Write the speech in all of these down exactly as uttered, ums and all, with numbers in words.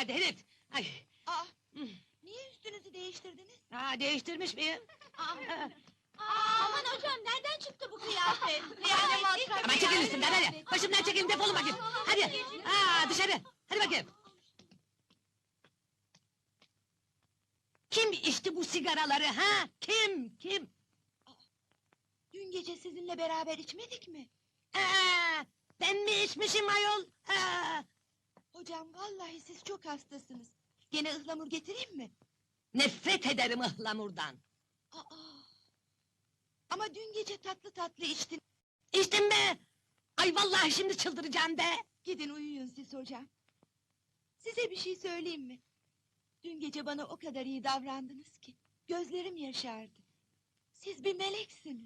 nerede herif? Ay. Aa, niye üstünüzü değiştirdiniz? Aa, değiştirmiş miyim? Aa, aman hocam, nereden çıktı bu kıyafet? Yani matrak... Aman çekil üstümden hadi! Başımdan çekilin, defolun bakayım! Hadi! Aa, dışarı! Hadi bakayım! Kim içti bu sigaraları ha? Kim? Kim? Dün gece sizinle beraber içmedik mi? Aa, ben mi içmişim ayol? Aa, Hocam, vallahi siz çok hastasınız. Gene ıhlamur getireyim mi? nefret ederim ıhlamurdan! Aa, ama dün gece tatlı tatlı içtin. İçtim be! Ay vallahi şimdi çıldıracağım be! Gidin uyuyun siz hocam. Size bir şey söyleyeyim mi? Dün gece bana o kadar iyi davrandınız ki... gözlerim yaşardı. Siz bir meleksiniz.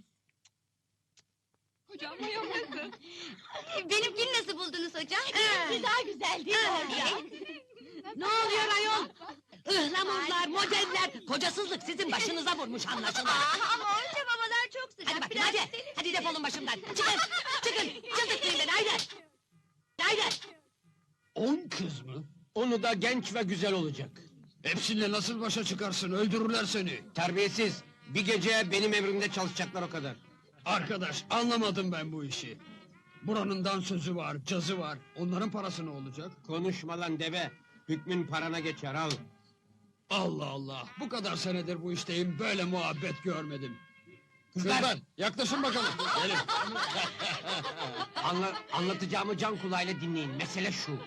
Hocam ayol nasıl? Benimkini nasıl buldunuz hocam? Ha. Daha güzel değil mi Ha. hocam? Ne oluyor ayol? Ihlamurlar, modeller, kocasızlık sizin başınıza vurmuş anlaşılan! Ama hocam havalar çok sıcak. Hadi bakayım hadi! Hadi defolun başımdan! Çıkın! Çıkın! Çıldırtmayın beni haydi! Haydi! On kız mı? Onu da genç ve güzel olacak. Hepsiyle nasıl başa çıkarsın? Öldürürler seni. Terbiyesiz! Bir gece benim emrimde çalışacaklar o kadar. Arkadaş, anlamadım ben bu işi. Buranın dansözü var, cazı var. Onların parası ne olacak? Konuşma lan deve! Hükmün parana geçer al! Allah Allah! Bu kadar senedir bu işteyim, böyle muhabbet görmedim. Kızlar! yaklaşın bakalım. Gelin. Anla, anlatacağımı can kulağıyla dinleyin, mesele şu.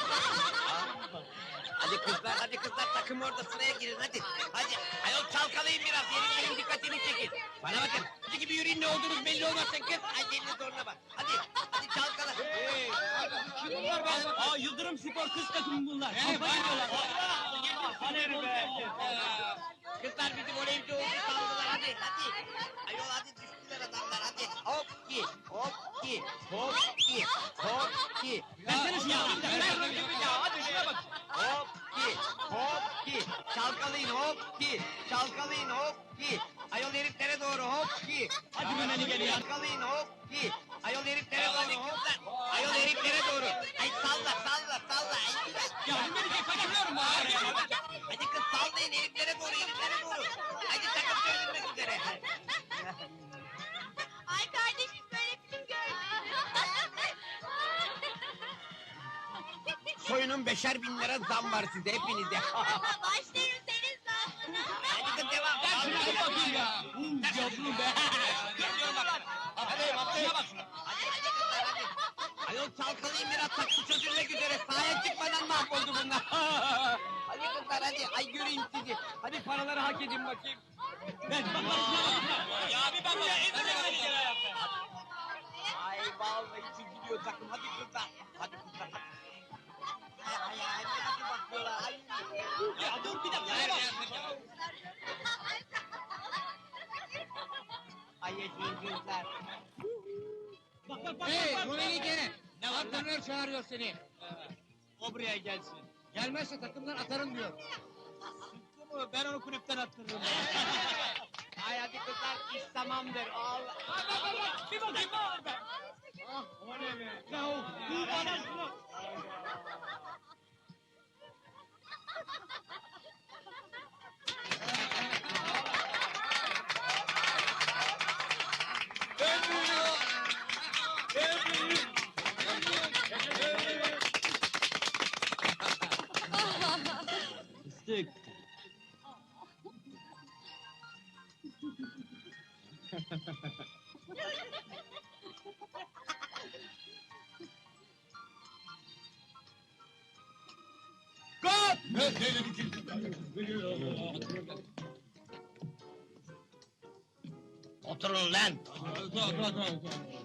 Hadi kızlar, hadi kızlar, takım orada sıraya girin, hadi! Hadi, ayol çalkalayın biraz, heriflerin dikkatini çekin! Bana bakın, sizi gibi yürüyün, ne olduğunuz belli olmasın kız! Ay gelin zoruna bak, hadi, hadi çalkala! Hey, kim bunlar be? Aa, Yıldırım Spor kız takımı bunlar! Hey, bayılıyorlar! Hadi be! Kızlar bizim voleyci oldu sandılar, hadi, hadi! Ayol hadi, düştüler adamlar, hadi! Hop ki, hop ki, hop ki, hop ki! Versene şunu ya! Hadi şuna bak! Hop ki, hop ki, çalkalayın hop ki, çalkalayın hop ki, ayol heriflere doğru hop ki. Hadi Mehmet'i gel ya. Çalkalayın hop ki, ayol heriflere doğru hop, ayol heriflere doğru. Ay salla, salla, salla. Ya Mehmet'i kaçırıyorum ha. Hadi kız sallayın heriflere doğru, heriflere doğru. Hadi takım söylenmek üzere. Ay kardeşim, böyle film görmedim. Soyunun beşer bin lira zam var size hepinize. Başlarım senin zammına. Hadi kız devam. Ben şuna bir bakayım ya! Yavrum be! Görüyorum bak. Hadi atlaya bak şuna. Hadi hadi kızlar hadi. Ayol çalkalayın biraz taksı çözülmek üzere. Sahaya çıkmadan mahvoldu bunlar. Hadi kızlar hadi. Ay göreyim sizi. Hadi paraları hak edin bakayım. Ben bak bak şuna bak! Ya bir bak ya! Ezeme beni gel ayakta! Ay vallahi çiziliyor takım. Hadi kızlar. Hadi kızlar hadi. Ay ay ay. Hadi bakıyorlar. Ay. Ya dur bir dakika! Ver ya! Ay yaşayın kızlar. Bak bak bak! Hey, bak, bak. Rumeli gene! Ne var lan? Antrenör çağırıyor seni. O buraya gelsin. Gelmezse takımdan atarım diyor. Sıktı mı? Ben onu kulüpten attırırım. Ay hadi kızlar iş tamamdır. Allah. Bak bak bak bak! Bir bakayım ne var be! Ah, o ne be? Ya o, bu bana şunu! Ben büyüğüm! Ben büyüğüm! Fıstık! Oturun lan.